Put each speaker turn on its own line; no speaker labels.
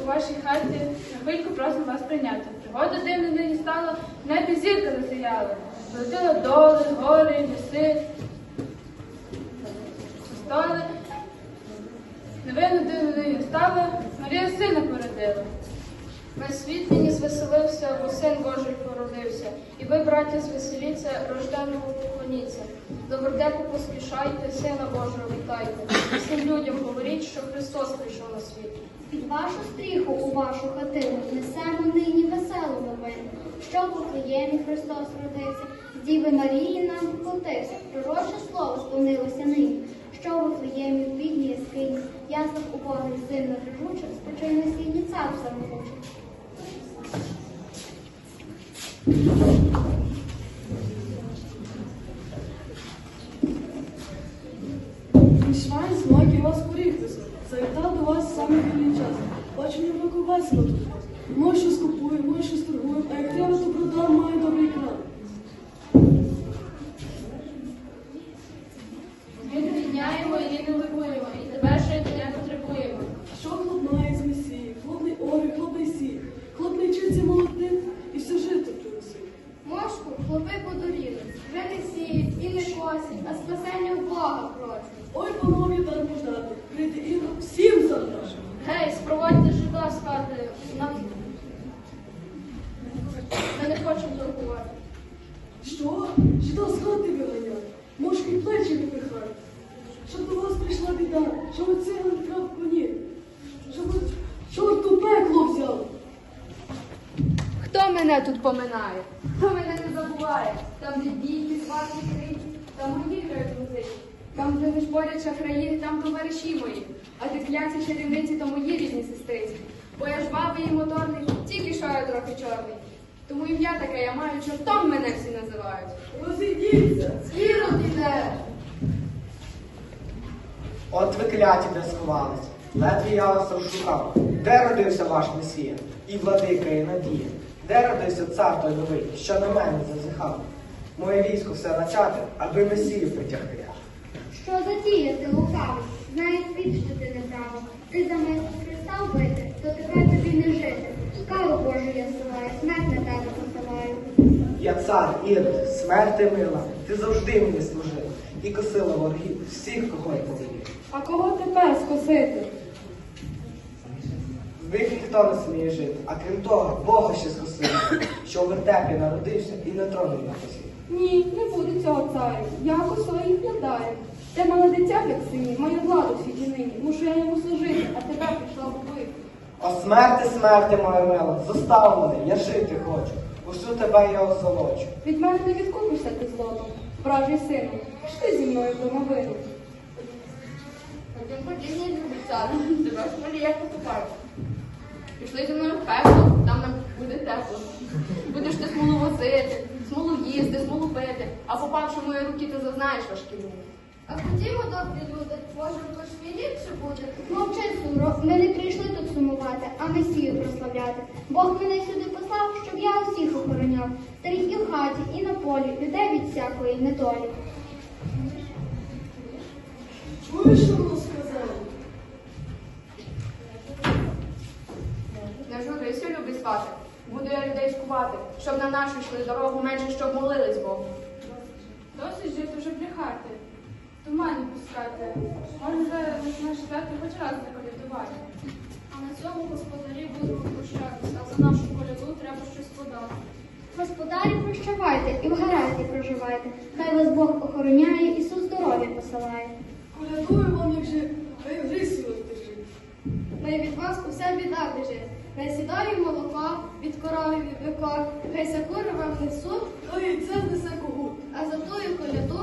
у вашій хаті, на хвильку просимо вас прийняти. Пригода дивна нині стала, в небі зірка засіяла. Золотила доли, гори, ліси, столи. Новину дивно нині стала, Марія сина породила. Весь світ нині звеселився, бо син Божий породився. І ви, браття, звеселіться, рожденому поклоніться. До вертепу поспішайте, сина Божого вітайте. Всім людям говоріть, що Христос прийшов на світ.
Під вашу стріху у вашу хатину несемо нині веселу новину, що в Вифлеємі Христос родився, з Діви Марії нам вплотився. Пророче слово сповнилося нині, що в Вифлеємі в бідній яскині, яслах убогих сильно режучих, спочине сільні цар самогучий.
Мішвайн смаки вас поріхтеся. Завітав до вас саме вільний час. Бачу, ні року весело тут. Може, щось купую, може, щось торгую, а як треба, то продам, маю добрий кран.
Ми не відняємо і не ликуємо, і тебе жити не потребуємо.
Що хлоп має з месії? Хлопний орі, хлопний сій. Хлоп не вчиться молодим і все жито приносить.
Мошку хлопи подуріли, вже не сіють і не косять, а спасення в Бога просять.
Ой, панові, дар подати. Прийде Ігор, всім забрати.
Гей, спровадьте жида з хати. Ми не хочемо торгувати.
Що? Жида з хати виганяють. Мошки плечі випихають. Щоб до вас прийшла біда, щоб у циган вкрав коні. Щоб чорт у пекло взяв.
Хто мене тут поминає? Хто мене не забуває? Там, де бійки, сварки, крики, там мої грають музики. Там, де не шпорять шахраї, там товариші мої. А де кляці чарівниці, то мої рідні сестриці. Бо я ж бабий і моторний, тільки що я трохи чорний. Тому ім'я таке я маю, чортом мене всі називають.
Розійдіться.
Ірод іде!
От ви кляті, де сховались, ледве я вас розшукав. Де родився ваш Месія, і владика, і надія? Де родився цар той новий, що на мене зазіхав? Моє військо все начати, аби Месію притягти.
Що затіяти, лукавий? Знає світ, що ти неправий. Ти замість Христа вбити, то тепер тобі не жити. Скалу Божу я зсилаю, смерть на тебе посилаю.
Я цар, Ірод, смерти мила, ти завжди мені служив. І косила ворогів всіх, кого я повелів.
А кого тепер скосити?
З них ніхто не сміє жити, а крім того, Бога ще скосив, що у вертепі народився і на троні не посів.
Ні, не буде цього царю. Я косою їх владаю. Те мале дитя, як сині, маю владу в світі нині. Мушу я йому служити, а тепер прийшла вбити.
О смерти, смерти, моя мила, зостав мене, я жити хочу. Усю тебе я озолочу.
Від мене не відкупишся ти злотом, вражий сину. Пішли зі мною в домовину.
Ходім, ходім, любий цар, тебе ж Марія покупає. Пішли зі мною в пекло, там нам буде тепло. Будеш ти смолу возити, смолу їсти, смолу пити, а попавши в мої руки, ти зазнаєш важкі муки.
А ходімо, добрі люди, може, хоч ліпше буде. Мовчи, Суро, ми не прийшли тут сумувати, а Месію прославляти. Бог мене сюди послав, щоб я усіх охороняв. Старих і в хаті, і на полі, людей від всякої недолі.
Чуєш, що воно сказало?
Не журися, любий свати. Буду я людей скувати, щоб на нашу йшли дорогу менше, щоб молились Богу.
Досить жити вже брехати, тумані пускати. Може, наш свято хоч раз заколядувати. А на цьому господарі будемо прощатися, а за нашу коляду треба щось подати.
Господарі, прощавайте і в гаразді проживайте. Хай вас Бог охороняє, Ісус здоров'я посилає.
Колядую вам, як же, хай в грисі вас держить.
Хай від вас уся біда біжить. Хай сідає молоко, від корови від бика, хай сакури вам несуть,
Хай яйце знесе когут.
а за тую коляду